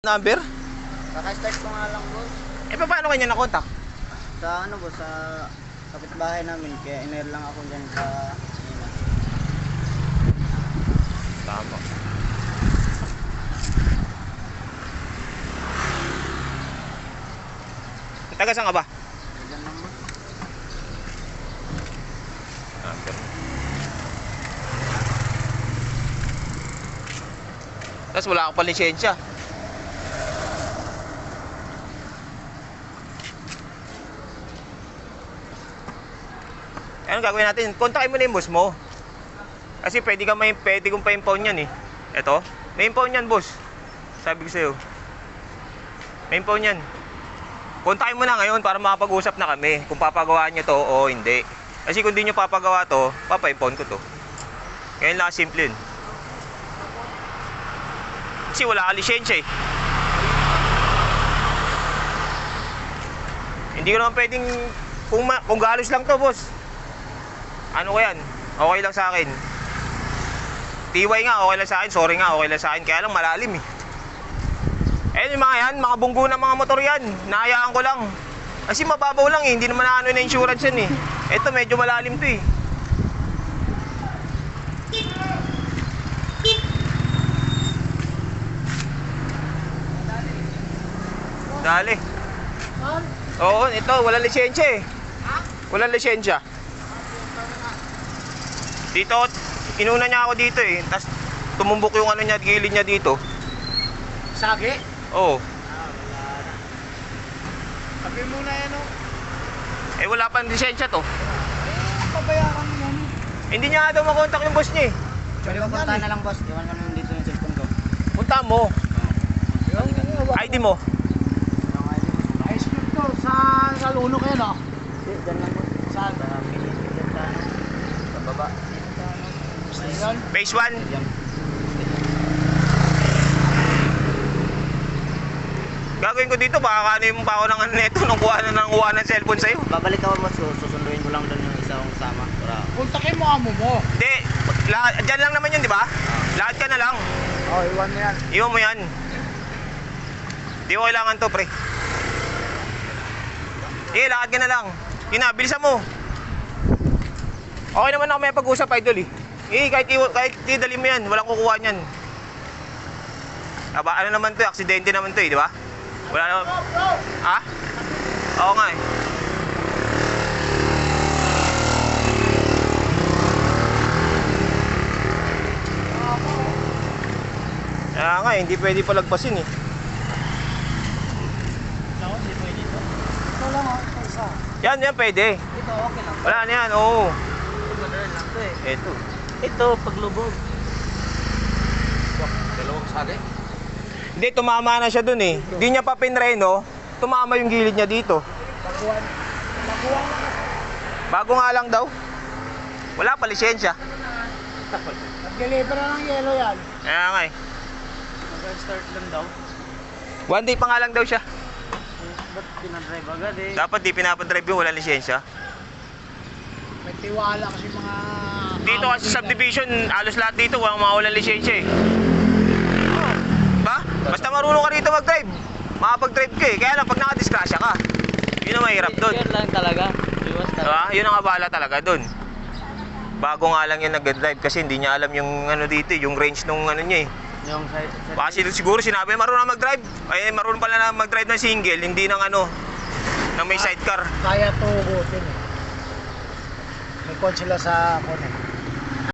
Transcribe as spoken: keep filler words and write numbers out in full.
number? Kaka-start ko nga lang, boss. Eh, paano kanya nakontak? Sa ano, boss, sa kapitbahay namin. Kaya iner lang ako dyan sa... Ina. Tama. Taga saan ka ba? Dyan lang, boss. Number. Tapos wala akong palisensya. Anong gagawin natin? Kontakin mo na yung boss mo. Kasi pwede ka may pwede kong pa-impound yan eh. Eto, may impound yan, boss. Sabi ko sa'yo. May impound yan. Kontakin mo na ngayon para makapag-usap na kami kung papagawa niyo to o hindi. Kasi kung di niyo papagawa to, papa-impound ko to. Ngayon lang simple yun. Kasi wala ka lisensya eh. Hindi ko naman pwedeng kung, ma, kung galos lang to, boss. Ano ko yan? Okay lang sa akin. T Y nga, okay lang sa akin. Sorry nga, okay lang sa akin. Kaya lang malalim eh. Eh yung mga yan, mga bunggo na mga motor yan. Nahayaan ko lang. Kasi mababaw lang eh. Hindi naman na ano na insurance yan eh. Ito medyo malalim to eh. Dali. Oo, ito. Walang lisensya eh. Walang lisensya. Dito, inuna niya ako dito eh. Tapos tumumbok yung ano niya, gilid niya dito. Sagi? Oo. Ah, wala na. Sabi muna yan, oh. Eh wala pang lisensya to. Eh, pabayaran mo yan. Hindi niya nga daw makontak yung boss niya eh. Pwede ba punta na lang, boss? Iwan ko naman dito yung cellphone ko. Punta mo. I D mo. Yung I D mo. High school to, sa Saluno kayo, no? Hindi, dyan lang, boss. Saan? Sa Pilipinas dyan sa ano. Sa baba. Dito sa ano. Ayun. Phase one. Dyan. Gagawin ko dito, baka kanin mo pa ako ng ano neto nung kuha na ng kuha ng cellphone sa'yo. Babalik ako, boss. Susunduin ko lang doon yung isa kong kasama. Para... Kontakin mo amo mo. Hindi, lahat, dyan lang naman yun, di ba? Lahat ka na lang. Oh, iwan mo yan. Iwan mo yan. Di ko kailangan to, pre. Sige, lakad ka na lang. Yun na, bilisan mo. Okay naman ako may pag-usap, idol eh. Eh, kahit, kahit idali mo yan, walang kukuha niyan. Aba, ano naman to, aksidente naman to eh, di ba? Wala naman. Ha? Oo nga eh. Kaya nga eh, hindi pwede palagpasin eh. Ako, hindi pwede dito. Ito lang, oh. Ito isa. Yan, yan pwede. Ito, okay lang. Wala na yan, oo. Ito, madali lang to eh. Eto. Ito, paglubog. Dalawang sagi? Hindi, tumama na siya dun eh. Hindi niya pa pinreno, tumama yung gilid niya dito. Baguhan. Baguhan lang. Bago nga lang daw. Wala pa lisensya. Nag-deliver na ng yelo yan. Kaya nga eh. Mag-start lang daw. One day pa nga lang daw siya. Ba't pinadrive agad eh? Dapat di pinapadrive yung walang lisensya. May tiwala kasi mga... Dito kasi sa subdivision, halos lahat dito walang mga walang lisensya eh. Ba? Basta marunong ka dito mag-drive. Makapag-drive ka eh. Kaya lang pag nakadiskrasya ka, yun ang mahirap dun. Yun lang talaga. Iwas talaga. Diba? Yun ang abala talaga dun. Bago nga lang yung nag-drive kasi hindi niya alam yung ano dito, yung range nung ano niya eh. Yung side, side. Kasi siguro sinabi marunong na mag-drive. Ay marunong pala na mag-drive ng single, hindi ng ano, ng may sidecar. Kaya tugutin eh. May kon sila sa kon eh.